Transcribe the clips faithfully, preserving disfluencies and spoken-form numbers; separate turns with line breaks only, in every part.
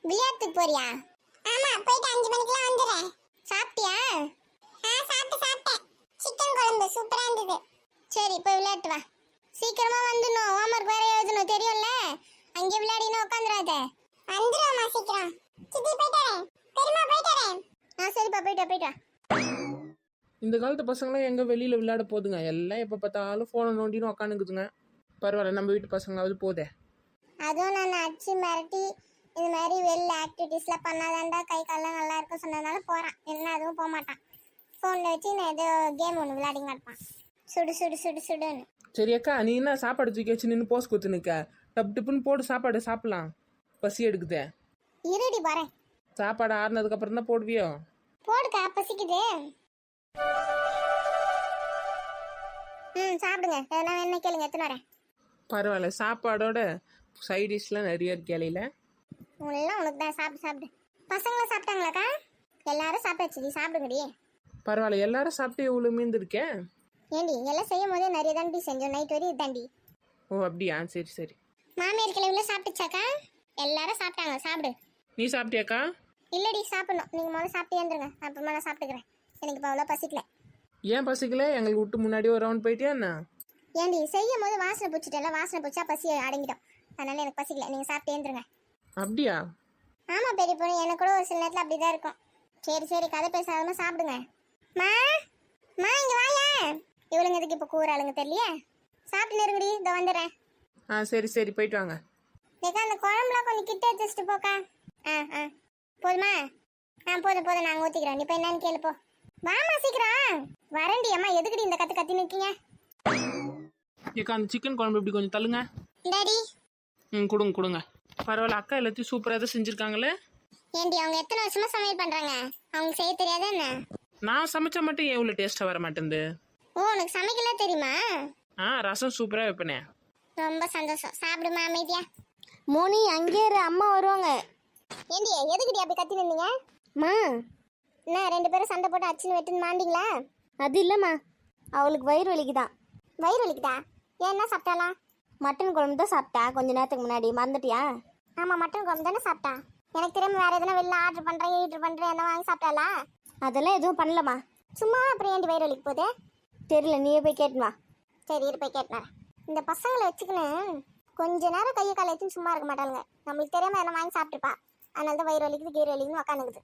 விளையாட்டுக்கு போறியா? ஆமா, போயிட்டு அஞ்சு மணிக்கெல்லாம் வந்துடுறேன். சாப்பிட்டியா? ஆ, சாப்பிட்டு சாப்பிட்டேன். சிக்கன் குழம்பு சூப்பரா இருந்தது. சரி, போய் விளையாட்டு வா. சீக்கிரமா வந்துடணும். ஹோம்ஒர்க் வேற எழுதணும், தெரியும்ல? அங்கே விளையாடினா உட்காந்துடாத. வந்துடுவோம்மா சீக்கிரம். சித்தி போயிட்டு வரேன். பெரியம்மா போயிட்டு வரேன். ஆ, சரிப்பா, போயிட்டு போயிட்டு வா.
இந்த காலத்து பசங்களாம் எங்கே வெளியில் விளையாட போதுங்க? எல்லாம் எப்போ பார்த்தாலும் ஃபோனை நோண்டின்னு உக்காந்துக்குதுங்க. பரவாயில்ல, நம்ம வீட்டு பசங்களாவது போதே.
அதுவும் நான் அடிச்சு மிரட்டி இந்த மாதிரி வெளில ஆக்டிவிட்டீஸ்லாம் பண்ணாதாண்டா கை காலெல்லாம் நல்லா இருக்கும் சொன்னதுனால போகிறான். என்ன அதுவும் போக மாட்டான். ஃபோனில் வச்சு நான் ஏதோ கேம் ஒன்று விளையாடிங்க இருப்பான். சுடு சுடு சுடு சுடுன்னு.
சரி அக்கா, நீ என்ன சாப்பாடு தூக்கி வச்சு நின்று போஸ் கொடுத்து நிற்க? டப்பு டிப்புன்னு போட்டு சாப்பாடு சாப்பிடலாம். பசி எடுக்குதே.
இருடி போகிறேன்.
சாப்பாடு ஆறுனதுக்கப்புறம் தான் போடுவியோ?
போடுக்கா, பசிக்குது. ம், சாப்பிடுங்க. எதனா என்ன கேளுங்க, எத்தனை வரேன்.
பரவாயில்ல, சாப்பாடோட சைட் டிஷ்லாம் நிறைய இருக்கு இலையில.
உங்களெல்லாம் உனக்கு தான். சாப்பிடு சாப்பிடு. பசங்களாம் சாப்பிட்டாங்களாக்கா? எல்லாரும் சாப்பிட்டாச்சு, சாப்பிடுங்கடி.
பரவாயில்ல, எல்லாரும் சாப்பிட்டு எவ்வளோ மீந்து இருக்கேன்.
ஏண்டி எல்லாம் செய்யும் போதே நிறைய தாண்டி செஞ்சோம். நைட் வரையும் தாண்டி.
ஓ அப்படியா, சரி சரி.
மாமியார் கிளவில சாப்பிட்டுச்சாக்கா? எல்லாரும் சாப்பிட்டாங்க, சாப்பிடு.
நீ சாப்பிட்டியாக்கா?
இல்லடி, சாப்பிடணும். நீங்க முதல்ல சாப்பிட்டு ஏந்துருங்க, அப்புறமா நான் சாப்பிட்டுக்கிறேன். எனக்கு இப்போ அவ்வளோ பசிக்கல.
ஏன் பசிக்கல? எங்களுக்கு விட்டு முன்னாடி ஒரு ரவுண்ட் போயிட்டியா என்ன?
ஏண்டி செய்யும் போது வாசனை பிடிச்சிட்டல, வாசனை பிடிச்சா பசி அடங்கிடும். அதனால எனக்கு பசிக்கல. நீங்க சாப்பிட்டு ஏந்துருங்க.
அப்படியா?
ஆமா பெரிய பொண்ணு, எனக்கு கூட ஒரு சில நேரத்தில் அப்படிதான் இருக்கும். சரி சரி, கதை பேசாதமா சாப்பிடுங்க. மா மா இங்க வாயா. இவளுங்க எதுக்கு இப்போ கூறாளுங்க தெரியலையே. சாப்பிட்டு நெருங்குடி, இதோ வந்துடுறேன்.
ஆ சரி சரி, போயிட்டு வாங்க.
ஏக்கா அந்த குழம்புலாம் கொஞ்சம் கிட்ட வச்சுட்டு போக்கா. ஆ ஆ போதுமா? ஆ போதும் போதும், நாங்கள் ஊற்றிக்கிறோம். நீ இப்போ என்னன்னு கேளுப்போ. வாமா சீக்கிரம். வரண்டி. அம்மா எதுக்குடி இந்த கற்று கத்தி நிற்கீங்க?
ஏக்கா, அந்த சிக்கன் குழம்பு இப்படி கொஞ்சம் தள்ளுங்க.
டாடி.
ம், கொடுங்க கொடுங்க. பரவாயில்ல, அக்கா எல்லாத்தையும் சூப்பராக தான் செஞ்சுருக்காங்களே.
ஏண்டி அவங்க எத்தனை வருஷமா சமையல் பண்ணுறாங்க? அவங்க செய்ய தெரியாதா என்ன?
நான் சமைச்சா மட்டும் ஏன் இவ்வளோ டேஸ்ட்டாக வர மாட்டேங்குது?
ஓ, உனக்கு சமைக்கலாம் தெரியுமா?
ஆ, ரசம் சூப்பராக வைப்பேனே.
ரொம்ப சந்தோஷம். சாப்பிடுமா அமைதியா.
மோனி அங்கே இரு, அம்மா வருவாங்க.
ஏண்டி எதுக்குடி அப்படி கத்தி நின்றீங்க?
மா
என்ன ரெண்டு பேரும் சண்டை போட்டு அச்சுன்னு வெட்டுன்னு மாண்டிங்களா?
அது இல்லைம்மா, அவளுக்கு வயிறு வலிக்குதான்.
வயிறு வலிக்குதா? ஏன், என்ன சாப்பிட்டாளா?
மட்டன் குழம்பு தான் சாப்பிட்டா கொஞ்ச நேரத்துக்கு முன்னாடி. மறந்துட்டியா?
ஆமாம், மட்டன் குழம்பு தானே சாப்பிட்டா. எனக்கு திரும்ப வேறு எதனா வெளில ஆர்டர் பண்ணுறேன் ஈட்ரு பண்ணுறேன் என்ன வாங்கி சாப்பிட்டாளா?
அதெல்லாம் எதுவும் பண்ணலம்மா.
சும்மா அப்புறம் ஏண்டி வயிறு வலிக்கு போகுது?
தெரியல, நீயே போய் கேட்டுமா.
சரி இரு, போய் கேட்டேன். இந்த பசங்களை வச்சுக்கின்னு கொஞ்ச நேரம் கையை காலை வச்சுன்னு சும்மா இருக்க மாட்டாளுங்க. நம்மளுக்கு தெரியாமல் எதனா வாங்கி சாப்பிட்டுப்பா. அதனால தான் வயிறு வலிக்குது கீரை வலிக்குதுன்னு உக்காந்துக்குது.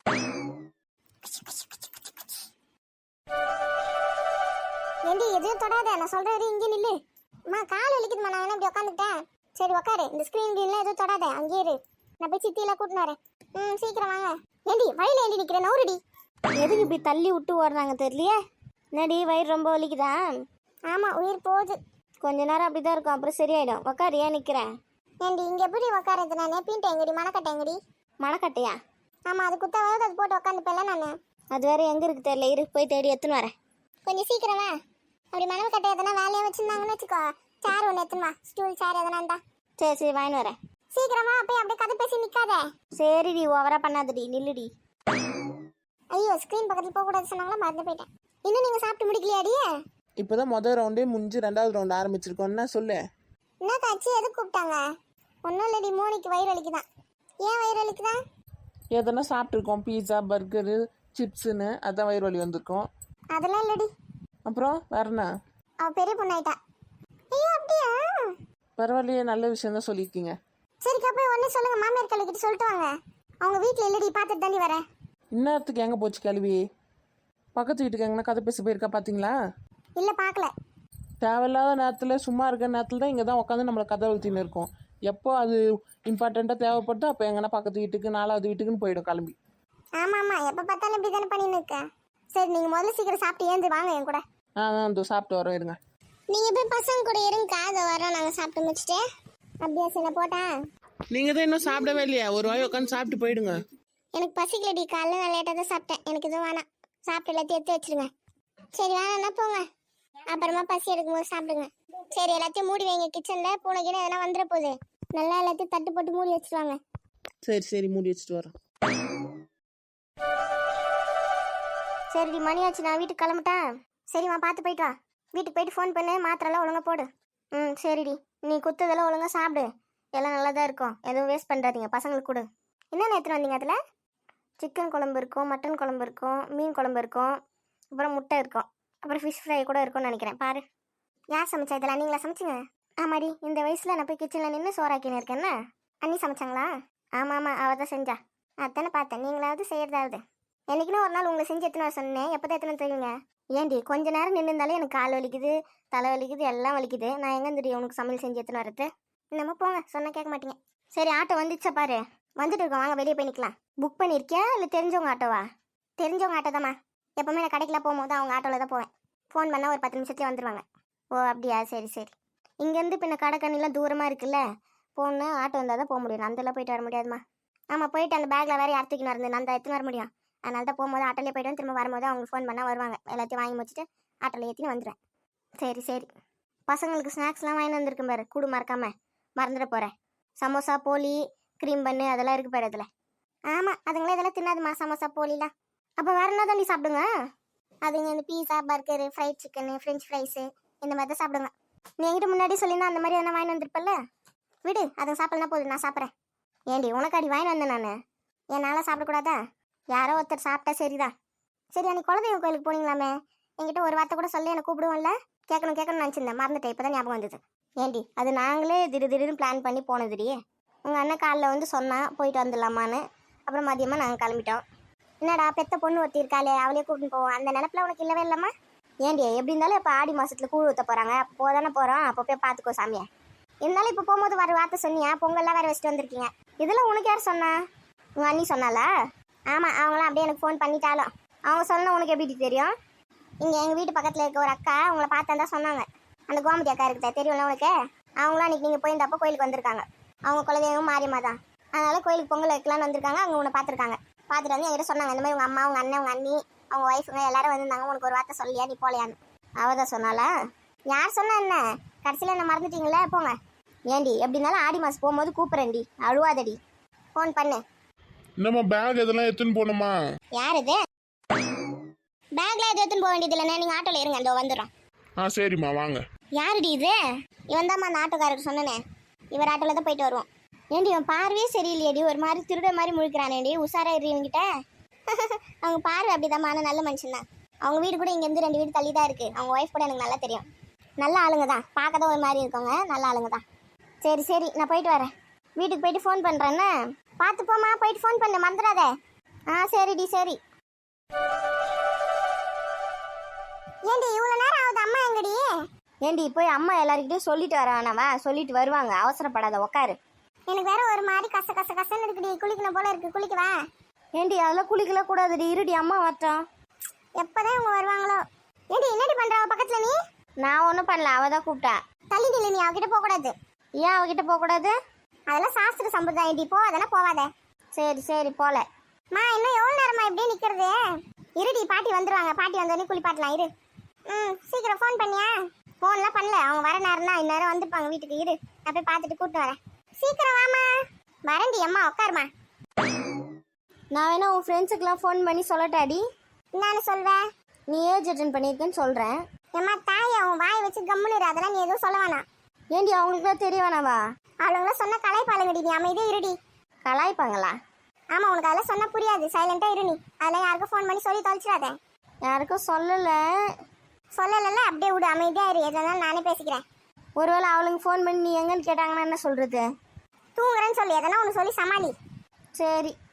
ஏண்டி எதுவும் தொடாத, நான் சொல்றது இங்கே நில்லு. அம்மா கால் வலிக்குதுமா, நான் வேணா இப்படி உட்காந்துட்டேன். சரி உக்காரு. இந்த ஸ்க்ரீன் கீழே எதுவும் தொடாத, அங்கேயே இரு. நான் போய் சித்தியெல்லாம் கூட்டின்னு வரேன். ம், சீக்கிரம் வாங்க. ஏண்டி வழியில ஏண்டி நிற்கிறேன், நவுறுடி.
எதுக்கு இப்படி தள்ளி விட்டு ஓடுறாங்க தெரியலையே. என்னடி வயிறு ரொம்ப வலிக்குதா?
ஆமாம், உயிர் போகுது.
கொஞ்ச நேரம் அப்படி தான் இருக்கும், அப்புறம் சரியாயிடும். உக்காரு, ஏன் நிற்கிறேன்?
ஏண்டி இங்கே எப்படி உட்காரது? நான் நெப்பின்ட்டேன் எங்கடி, மணக்கட்டேன் எங்கடி.
மணக்கட்டையா?
ஆமாம், அது குத்தாவது அது போட்டு உட்காந்துப்பேன்ல நான்.
அது வேற எங்கே இருக்கு தெரியல, இரு போய் தேடி எடுத்துன்னு வரேன்.
கொஞ்சம் சீக்கிரமா. அப்படி மணக்கட்டை எதனா வேலையாக வச்சுருந்தாங்கன்னு வச்சுக்கோ. சேர் ஒன்று எடுத்துமா, ஸ்டூல் சேர் எதனா இருந்தா.
சரி சரி, வாங்கின்னு வரேன்.
சீக்கிரமா போய் அப்படியே கதை பேசி நிற்காத.
சரிடி, ஓவரா பண்ணாதடி, நில்லுடி.
ஐயோ, ஸ்க்ரீன் பக்கத்தில் போகக்கூடாது சொன்னாங்களா, மறந்து போயிட்டேன். இன்னும் நீங்கள் சாப்பிட்டு முடிக்கலையாடி?
இப்போ தான் மொதல் ரவுண்டே முடிஞ்சு ரெண்டாவது ரவுண்டு ஆரம்பிச்சிருக்கோன்னா சொல்லு.
என்ன காட்சி, எது கூப்பிட்டாங்க? ஒன்றும் இல்லடி, மோனிக்கு வயிறு வலிக்குதான். ஏன் வயிறு வலிக்குதா?
எதனா சாப்பிட்ருக்கோம், பீஸா பர்கரு சிப்ஸுன்னு, அதான் வயிறு வலி வந்திருக்கோம்.
அதெல்லாம் இல்லடி.
அப்புறம் வேறண்ணா?
அவள் பெரிய பொண்ணாயிட்டா. ஐயோ அப்படியா?
பரவாயில்லையே, நல்ல விஷயம் தான் சொல்லியிருக்கீங்க.
சரிக்கா, போய் ஒன்று சொல்லுங்க, மாமியார் கல்விக்கிட்ட சொல்லிட்டு வாங்க. அவங்க வீட்டில் இல்லடி, பார்த்துட்டு தாண்டி வரேன்.
இந்நேரத்துக்கு எங்கே போச்சு கேள்வி? பக்கத்து வீட்டுக்கு எங்கன்னா கதை பேச போயிருக்கா பார்த்தீங்களா?
இல்லை, பார்க்கல.
தேவையில்லாத நேரத்தில் சும்மா இருக்கிற நேரத்தில் தான் இங்கே தான் உட்காந்து நம்மளை கதை ஊற்றின்னு இருக்கோம். எப்போ அது இம்பார்ட்டண்ட்டாக தேவைப்படுதோ அப்போ எங்கன்னா பக்கத்து வீட்டுக்கு நாலாவது வீட்டுக்குன்னு போயிடும் கிளம்பி.
ஆமாம் ஆமாம், எப்போ பார்த்தாலும் இப்படி தானே பண்ணின்னு இருக்கேன். சரி, நீங்கள் முதல்ல சீக்கிரம் சாப்பிட்டு ஏந்து வாங்க என் கூட.
ஆ ஆ, இதோ சாப்பிட்டு வரோம், இருங்க.
நீங்கள் போய் பசங்க கூட இருங்கக்கா, அதை வரோம் நாங்கள் சாப்பிட்டு முடிச்சுட்டு. அப்படியா, சரி நான் போட்டேன்.
நீங்கள் தான் இன்னும் சாப்பிடவே இல்லையா? ஒரு வாய் உட்காந்து சாப்பிட்டு போயிடுங்க.
எனக்கு பசிக்கலடி, காலைல நான் லேட்டாக தான் சாப்பிட்டேன். எனக்கு எதுவும் வேணாம். சாப்பிட்டு எல்லாத்தையும் எடுத்து வச்சிருங்க. சரி வேணாம்னா போங்க, அப்புறமா பசி எடுக்கும்போது சாப்பிடுங்க. சரி, எல்லாத்தையும் மூடி வைங்க. கிச்சனில் பூனைக்குன்னு எதனா வந்துட போகுது. நல்லா எல்லாத்தையும் தட்டு போட்டு மூடி வச்சுருவாங்க.
சரி சரி, மூடி வச்சுட்டு வரோம்.
சரிடி, மணியாச்சு, நான் வீட்டுக்கு கிளம்பிட்டேன்.
சரிம்மா, பார்த்து போயிட்டு வா. வீட்டுக்கு போயிட்டு ஃபோன் பண்ணு, மாத்திரெல்லாம் ஒழுங்காக போடு.
ம் சரிடி, நீ குத்ததெல்லாம் ஒழுங்காக சாப்பிடு. எல்லாம் நல்லா தான் இருக்கும், எதுவும் வேஸ்ட் பண்ணுறாதீங்க, பசங்களுக்கு கொடு. என்னென்ன எடுத்துகிட்டு வந்தீங்க அதில்? சிக்கன் குழம்பு இருக்கும், மட்டன் குழம்பு இருக்கும், மீன் குழம்பு இருக்கும், அப்புறம் முட்டை இருக்கும், அப்புறம் ஃபிஷ் ஃப்ரை கூட இருக்கும்னு நினைக்கிறேன். பாரு. யார் சமைச்சா இதெல்லாம்? நீங்களா சமைச்சிங்க? ஆமாடி, இந்த வயசில் நான் போய் கிச்சனில் நின்று சோறாக்கின்னு இருக்கேன்னா. அண்ணி சமைச்சாங்களா? ஆமாம் ஆமாம், அவள் தான் செஞ்சா. அதானே பார்த்தேன். நீங்களாவது செய்யறதாவது. என்னைக்குன்னு ஒரு நாள் உங்களை செஞ்சு எத்தனை வர சொன்னேன். எப்போ தான் எத்தனை தெரியுங்க? ஏண்டி கொஞ்ச நேரம் நின்று இருந்தாலே எனக்கு கால் வலிக்குது, தலை வலிக்குது, எல்லாம் வலிக்குது. நான் எங்கே தெரியும் உனக்கு சமையல் செஞ்சு எத்தனை வரது? நம்ம போங்க, சொன்னால் கேட்க மாட்டீங்க. சரி, ஆட்டோ வந்துச்சா பாரு. வந்துட்டு இருக்கோம், வாங்க வெளியே போய் நிற்கலாம். புக் பண்ணியிருக்கியா இல்லை தெரிஞ்சவங்க ஆட்டோவா? தெரிஞ்சவங்க ஆட்டோ தாம்மா. எப்போவுமே நான் கடைக்கெலாம் போகும்போது அவங்க ஆட்டோவில் தான் போவேன். ஃபோன் பண்ணால் ஒரு பத்து நிமிஷத்துலேயே வந்துடுவாங்க. ஓ அப்படியா, சரி சரி. இங்கேருந்து பின்ன கடைக்கண்ணிலாம் தூரமாக இருக்குல்ல, போன்னு ஆட்டோ வந்தால் தான் போக முடியும். அந்தெல்லாம் போயிட்டு வர முடியாதுமா. ஆமாம், போயிட்டு அந்த பேக்கில் வேறு யார்த்துக்கு வரது, நான் எத்தனை வர முடியும். அதனால தான் போகும்போது ஆட்டோலேயே போய்ட்டு திரும்ப வரும்போது அவங்க ஃபோன் பண்ணால் வருவாங்க. எல்லாத்தையும் வாங்கி முடிச்சுட்டு ஆட்டோவில் ஏற்றின்னு வந்துடுவேன். சரி சரி. பசங்களுக்கு ஸ்நாக்ஸ்லாம் வாங்கி வந்திருக்கேன் பாரு, கூடு மறக்காம. மறந்துட போகிறேன். சமோசா, போலி, க்ரீம் பண்ணு அதெல்லாம் இருக்கு பாரு அதில். ஆமாம், அதுங்களே இதெல்லாம் தின்னாதுமா, சமோசா போலிலாம். அப்போ வேறு என்ன தான் நீ சாப்பிடுங்க? அதுங்க இந்த pizza, burger, fried chicken, french fries இந்த மாதிரி தான் சாப்பிடுங்க. நீ என்கிட்ட முன்னாடி சொல்லியிருந்தா அந்த மாதிரி எதனா வாங்கி வந்திருப்பல்ல. விடு, அதுங்க சாப்பிட்லாம் போதும், நான் சாப்பிட்றேன். ஏண்டி உனக்கு அடி வாங்கி வந்தேன் நான். என்னால் சாப்பிடக்கூடாதா? யாரோ ஒருத்தர் சாப்பிட்டா சரிதான். சரி, அன்னைக்கு குலதெய்வ கோயிலுக்கு போனீங்களாமே, என்கிட்ட ஒரு வார்த்தை கூட சொல்லி என்னை கூப்பிடுவோம்ல. கேட்கணும் கேட்கணும்னு நினச்சிருந்தேன், மறந்துட்டேன். இப்போ தான் ஞாபகம் வந்தது. ஏண்டி அது நாங்களே திடீர் திடீர்னு பிளான் பண்ணி போனதுடியே. உங்கள் அண்ணன் காலைல வந்து சொன்னான் போயிட்டு வந்துடலாமான்னு. அப்புறம் மதியமாக நாங்கள் கிளம்பிட்டோம். என்னடா பெத்த பொண்ணு ஒருத்தி இருக்காளே, அவளே கூப்பிட்டு போவோம், அந்த நினப்பில் உனக்கு இல்லவே இல்லைம்மா? ஏண்டி எப்படி இருந்தாலும் இப்போ ஆடி மாதத்தில் கூழ் ஊற்ற போகிறாங்க, அப்போ போதானே போகிறோம், அப்போ போய் பார்த்துக்கோ சாமியை. இருந்தாலும் இப்போ போகும்போது வர வார்த்தை சொன்னியா, பொங்கல்லாம் வேறு வச்சுட்டு வந்திருக்கீங்க. இதெல்லாம் உனக்கு யார் சொன்னா? உங்கள் அண்ணி சொன்னாலா? ஆமாம், அவங்களாம் அப்படியே எனக்கு ஃபோன் பண்ணிட்டாலும். அவங்க சொன்னால் உனக்கு எப்படி தெரியும்? இங்கே எங்கள் வீட்டு பக்கத்தில் இருக்க ஒரு அக்கா உங்களை பார்த்தா தான் சொன்னாங்க. அந்த கோமதி அக்கா இருக்குதா, தெரியும்ல உனக்கு? அவங்களாம் அன்றைக்கி நீங்கள் போயிருந்தப்போ கோயிலுக்கு வந்திருக்காங்க. அவங்க குலதெய்வம் மாரியம்மா தான். அதனால் கோயிலுக்கு பொங்கல் வைக்கலான்னு வந்திருக்காங்க. அவங்க உன்னை பார்த்துருக்காங்க. பார்த்துட்டு வந்து என்கிட்ட சொன்னாங்க, இந்த மாதிரி உங்கள் அம்மா, உங்கள் அண்ணன், உங்கள் அண்ணி, அவங்க ஒய்ஃபுங்க எல்லாரும் வந்திருந்தாங்க, உனக்கு ஒரு வார்த்தை சொல்லியா, நீ போலையான்னு. அவள் தான் சொன்னாலா? யார் சொன்னா என்ன? கடைசியில் என்ன மறந்துட்டீங்களே, போங்க. ஏண்டி எப்படி இருந்தாலும் ஆடி மாதம் போகும்போது கூப்பிட்றேன்டி, அழுவாதடி. ஃபோன் பண்ணு.
நம்ம பேக் இதெல்லாம் எடுத்துன்னு போகணுமா?
யார் இது? பேக்ல எது எடுத்துன்னு போக வேண்டியது இல்லைண்ணே, நீங்கள் ஆட்டோவில் இருங்க, அந்த வந்துடுறோம்.
ஆ சரிம்மா, வாங்க.
யாருடி இது? இவன் தான்மா அந்த ஆட்டோக்காரருக்கு சொன்னனே. இவர் ஆட்டோவில் தான் போயிட்டு வருவோம். ஏண்டி இவன் பார்வையே சரியில்லையடி, ஒரு மாதிரி திருட மாதிரி முழிக்கிறானேடி. உஷாரா இரு இவங்கிட்ட. அவங்க பார்வை அப்படிதாம்மா, ஆனால் நல்ல மனுஷன் தான். அவங்க வீடு கூட இங்கேருந்து ரெண்டு வீடு தள்ளி தான் இருக்குது. அவங்க ஒய்ஃப் கூட எனக்கு நல்லா தெரியும். நல்ல ஆளுங்க தான், பார்க்க தான் ஒரு மாதிரி இருக்கவங்க, நல்ல ஆளுங்க தான். சரி சரி, நான் போயிட்டு வரேன். வீட்டுக்கு போயிட்டு ஃபோன் பண்ணுறேன்னு. பார்த்து போமா, போயிட்டு ஃபோன் பண்ண மறந்துடாத. ஆ சரிடி சரி. ஏண்டி இவ்வளோ நேரம் ஆகுது, அம்மா எங்கடி?
ஏண்டி போய் அம்மா எல்லாருக்கிட்டையும் சொல்லிட்டு வரானவா? சொல்லிட்டு வருவாங்க, அவசரப்படாத, உட்காரு.
எனக்கு வேற ஒரு மாதிரி கச கச கசன்னு இருக்குடி, குளிக்கணும் போல இருக்கு, குளிக்கவா?
ஏண்டி அதெல்லாம் குளிக்கல கூடாதுடி, இருடி அம்மா வரட்டும்.
எப்போதான் இவங்க வருவாங்களோ. ஏண்டி என்னடி பண்ற அவ பக்கத்துல நீ?
நான் ஒன்றும் பண்ணல, அவள் தான் கூப்பிட்டா.
தள்ளி நில்லு, நீ அவகிட்ட போக கூடாது.
ஏன் அவகிட்ட போகக்கூடாது?
அதெல்லாம் சாஸ்திர சம்பிரதாயம், போ, அதெல்லாம் போவாத.
சரி சரி போல.
மா இன்னும் எவ்வளோ நேரமா இப்படியே நிற்கிறது? இருடி, பாட்டி வந்துருவாங்க, பாட்டி வந்தோடனே குளிப்பாட்டலாம், இரு. ம் சீக்கிரம் ஃபோன் பண்ணியா? ஃபோன்லாம் பண்ணல, அவங்க வர நேரம் தான், இந்நேரம் வந்துருப்பாங்க வீட்டுக்கு. இரு, நான் போய் பார்த்துட்டு கூப்பிட்டு வரேன். சீக்கிரம் வாமா. வரேன்டி அம்மா, உட்காருமா.
நான் வேணா உன் ஃப்ரெண்ட்ஸுக்கெலாம் ஃபோன் பண்ணி சொல்லட்டாடி?
என்னன்னு சொல்வேன்?
நீ ஏஜ் அட்டன் பண்ணியிருக்கேன்னு சொல்கிறேன்.
ஏம்மா தாய், அவன் வாயை வச்சு கம்முன்னு இரு, அதெல்லாம் நீ எதுவும் சொல்ல வேணாம்.
ஏண்டி அவங்களுக்குலாம் தெரிய வேணாவா?
அவளுங்களாம் சொன்ன கலாய்ப்பாளுங்கடி, நீ அமைதியே இருடி.
கலாய்ப்பாங்களா?
ஆமாம், உனக்கு அதெல்லாம் சொன்னால் புரியாது, சைலண்டாக இரு நீ. அதெல்லாம் யாருக்கும் ஃபோன் பண்ணி சொல்லி தொலைச்சிடாத.
யாருக்கும் சொல்லலை.
சொல்லலைல்ல, அப்படியே விடு, அமைதியாக இரு, எதுனாலும் நானே பேசிக்கிறேன்.
ஒருவேளை அவளுங்க ஃபோன் பண்ணி நீ எங்கன்னு கேட்டாங்கன்னா என்ன சொல்கிறது?
தூங்குறேன்னு சொல்லி எதனா ஒன்று சொல்லி சமாளி.
சரி.